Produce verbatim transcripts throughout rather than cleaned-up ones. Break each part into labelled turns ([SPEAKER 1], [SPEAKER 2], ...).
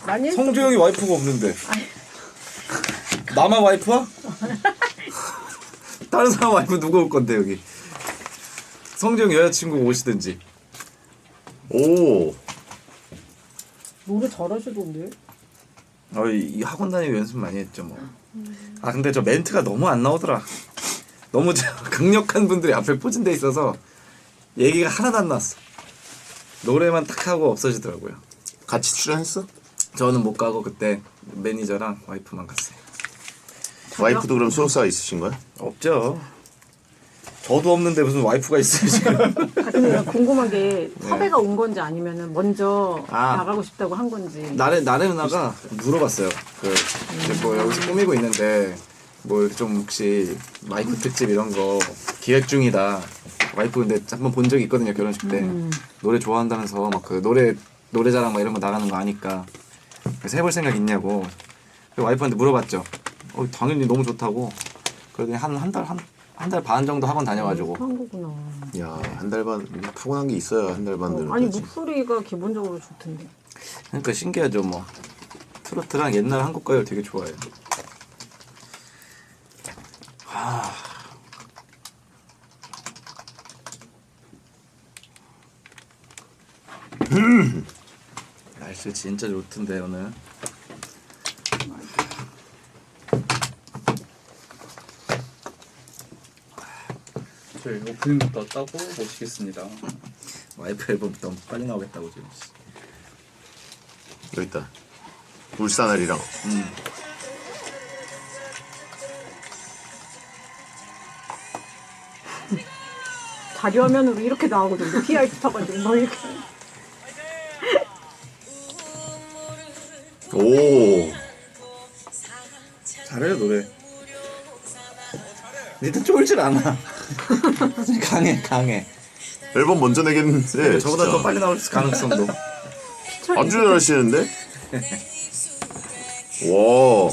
[SPEAKER 1] 많이
[SPEAKER 2] 성조영이 와이프가 없는데. 나만 와이프야? 다른 사람 와이프 누가 올 건데 여기. 성조영 여자친구 오시든지.
[SPEAKER 3] 오.
[SPEAKER 1] 노래 잘하시던데.
[SPEAKER 2] 어, 이 학원 다니고 연습 많이 했죠 뭐. 아 근데 저 멘트가 너무 안 나오더라. 너무 강력한 분들이 앞에 포진돼 있어서 얘기가 하나도 안 나왔어. 노래만 딱 하고 없어지더라고요.
[SPEAKER 3] 같이 출연했어?
[SPEAKER 2] 저는 못 가고 그때 매니저랑 와이프만 갔어요.
[SPEAKER 3] 와이프도 그럼 소속사가 있으신 거야?
[SPEAKER 2] 없죠. 저도 없는데 무슨 와이프가 있어요 지금.
[SPEAKER 1] 아, 근데 내가 궁금한 게 섭외가 온 건지 아니면은 먼저
[SPEAKER 2] 아.
[SPEAKER 1] 나가고 싶다고 한 건지.
[SPEAKER 2] 나래 나래 누나가 물어봤어요. 그 이제 뭐 여기서 꾸미고 있는데 뭐 좀 혹시 와이프 특집 이런 거 기획 중이다. 와이프 근데 한번 본 적이 있거든요 결혼식 때.
[SPEAKER 1] 음.
[SPEAKER 2] 노래 좋아한다면서 막 그 노래 노래자랑 막 이런 거 나가는 거 아니까 그래서 해볼 생각 있냐고. 그 와이프한테 물어봤죠. 어 당연히 너무 좋다고. 그러더니 한 한 달 한 한 달 반 정도 학원 다녀가지고.
[SPEAKER 1] 한 거구나.
[SPEAKER 3] 야, 한 달 반 타고난 게 있어야 한 달 반 되는
[SPEAKER 1] 어, 아니
[SPEAKER 3] 거지.
[SPEAKER 1] 목소리가 기본적으로 좋던데.
[SPEAKER 2] 그러니까 신기하죠 뭐. 트로트랑 옛날 한국 가요 되게 좋아해요. 하... 날씨 진짜 좋던데 오늘.
[SPEAKER 4] 저희 오프닝부터 따고 모시겠습니다.
[SPEAKER 2] 와이프 앨범 너무 빨리 나오겠다고 지금.
[SPEAKER 3] 여기 있다. 울산알이랑.
[SPEAKER 2] 음.
[SPEAKER 1] 자리 화면으로 이렇게 나오거든요. 티알티 타가지고 뭐 이렇게.
[SPEAKER 3] 오.
[SPEAKER 2] 잘해요 노래. 니들 쫄질 않아. 강해 강해.
[SPEAKER 3] 앨범 먼저 내겠는데.
[SPEAKER 2] 저보다
[SPEAKER 3] 진짜.
[SPEAKER 2] 더 빨리 나올 가능성도.
[SPEAKER 3] 아주 잘하시는데? 와.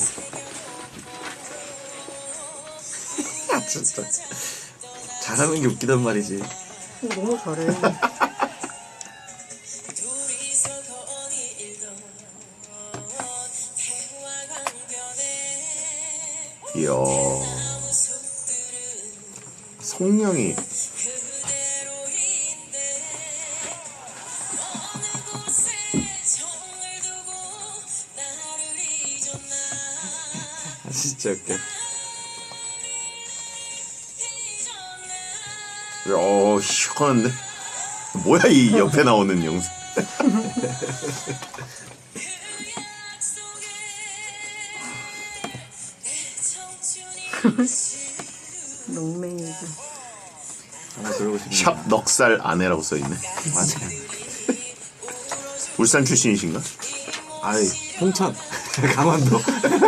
[SPEAKER 2] 아 진짜. 잘하는 게 웃기단 말이지.
[SPEAKER 1] 어, 너무 잘해.
[SPEAKER 3] 이야. 성량이.
[SPEAKER 2] 아, 진짜 웃겨.
[SPEAKER 3] 야, 시원한데? 뭐야 이 옆에 나오는 영상.
[SPEAKER 1] 농맹이죠.
[SPEAKER 2] 하나 들어보고 싶네.
[SPEAKER 3] 샵 넉살 아내라고 써있네.
[SPEAKER 2] 맞아요.
[SPEAKER 3] 울산 출신이신가?
[SPEAKER 2] 아이 홍천 강원도.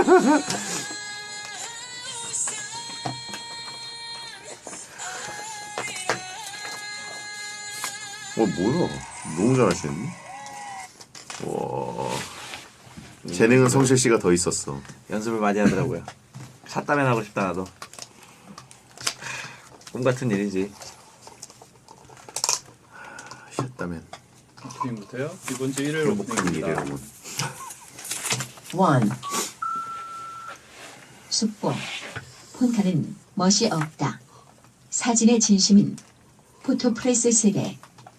[SPEAKER 3] 어 뭐야? 너무 잘하시는데? 와. 재능은 성실 씨가 더 있었어.
[SPEAKER 2] 연습을 많이 하더라고요. 샷다면 하고 싶다 나도. 꿈 같은 일이지.
[SPEAKER 3] 셨다면
[SPEAKER 4] 오프닝부터요. 이번 주 일요일
[SPEAKER 3] 행복한
[SPEAKER 4] 오프닝입니다.
[SPEAKER 3] 일이라고.
[SPEAKER 5] 원. 숙보. 폰카는 멋이 없다. 사진의 진심인 포토프레스 세대.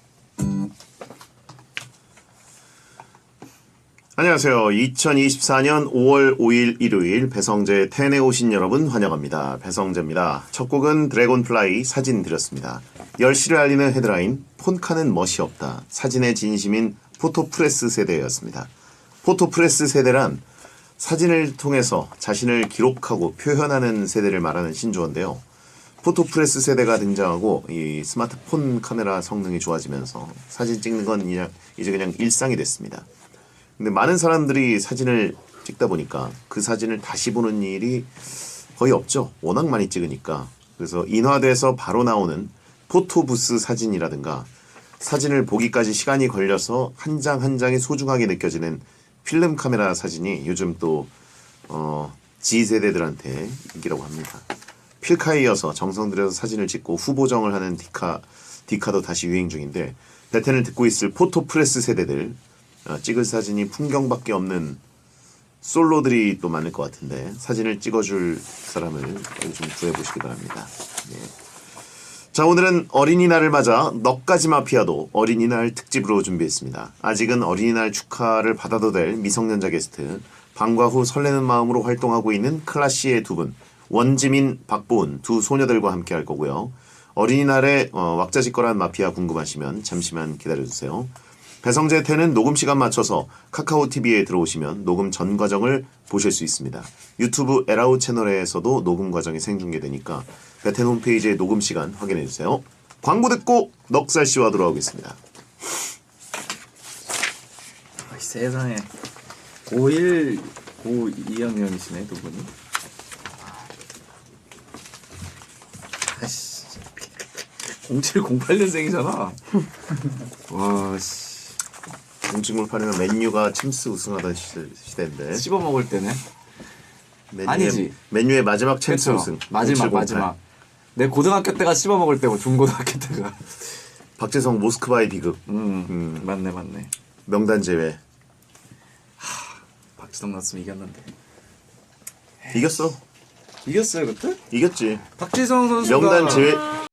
[SPEAKER 3] 안녕하세요. 이천이십사년 오월 오일 일요일 배성재 텐에 오신 여러분 환영합니다. 배성재입니다. 첫 곡은 드래곤플라이 사진 드렸습니다. 열시를 알리는 헤드라인 폰카는 멋이 없다. 사진의 진심인 포토프레스 세대였습니다. 포토프레스 세대란 사진을 통해서 자신을 기록하고 표현하는 세대를 말하는 신조어인데요. 포토프레스 세대가 등장하고 이 스마트폰 카메라 성능이 좋아지면서 사진 찍는 건 이제 그냥 일상이 됐습니다. 근데 많은 사람들이 사진을 찍다 보니까 그 사진을 다시 보는 일이 거의 없죠. 워낙 많이 찍으니까. 그래서 인화돼서 바로 나오는 포토부스 사진이라든가 사진을 보기까지 시간이 걸려서 한 장 한 장이 소중하게 느껴지는 필름 카메라 사진이 요즘 또 어, G세대들한테 인기라고 합니다. 필카에 이어서 정성 들여서 사진을 찍고 후보정을 하는 디카, 디카도 다시 유행 중인데 베텐을 듣고 있을 포토프레스 세대들 어, 찍을 사진이 풍경밖에 없는 솔로들이 또 많을 것 같은데 사진을 찍어줄 사람을 좀 구해보시기 바랍니다. 예. 자, 오늘은 어린이날을 맞아 너까지 마피아도 어린이날 특집으로 준비했습니다. 아직은 어린이날 축하를 받아도 될 미성년자 게스트, 방과 후 설레는 마음으로 활동하고 있는 클라시의 두 분, 원지민, 박보은 두 소녀들과 함께 할 거고요. 어린이날에 어, 왁자지껄한 마피아 궁금하시면 잠시만 기다려주세요. 배성재 텐은 녹음 시간 맞춰서 카카오티비에 들어오시면 녹음 전 과정을 보실 수 있습니다. 유튜브 에라우 채널에서도 녹음 과정이 생중계되니까 배텐 홈페이지의 녹음 시간 확인해주세요. 광고 듣고 넉살씨와 돌아오겠습니다.
[SPEAKER 2] 아이, 세상에 고일 고이 학년이시네 두 분이. 아씨 공칠 공팔 년생이잖아. 와씨
[SPEAKER 3] 공식물판에는 맨유가 침스 우승하던 시대, 시대인데
[SPEAKER 2] 씹어 먹을 때네.
[SPEAKER 3] 맨유의,
[SPEAKER 2] 아니지.
[SPEAKER 3] 맨유의 마지막 챔스
[SPEAKER 2] 그쵸?
[SPEAKER 3] 우승
[SPEAKER 2] 마지막
[SPEAKER 3] 공칠공팔.
[SPEAKER 2] 마지막. 내 고등학교 때가 씹어 먹을 때고 중고등학교 때가.
[SPEAKER 3] 박재성 모스크바의 비극
[SPEAKER 2] 음,
[SPEAKER 3] 음.
[SPEAKER 2] 맞네 맞네.
[SPEAKER 3] 명단 제외
[SPEAKER 2] 박지성 났으면 이겼는데.
[SPEAKER 3] 이겼어
[SPEAKER 2] 이겼어요 그때?
[SPEAKER 3] 이겼지
[SPEAKER 2] 박지성 선수가
[SPEAKER 3] 명단 제외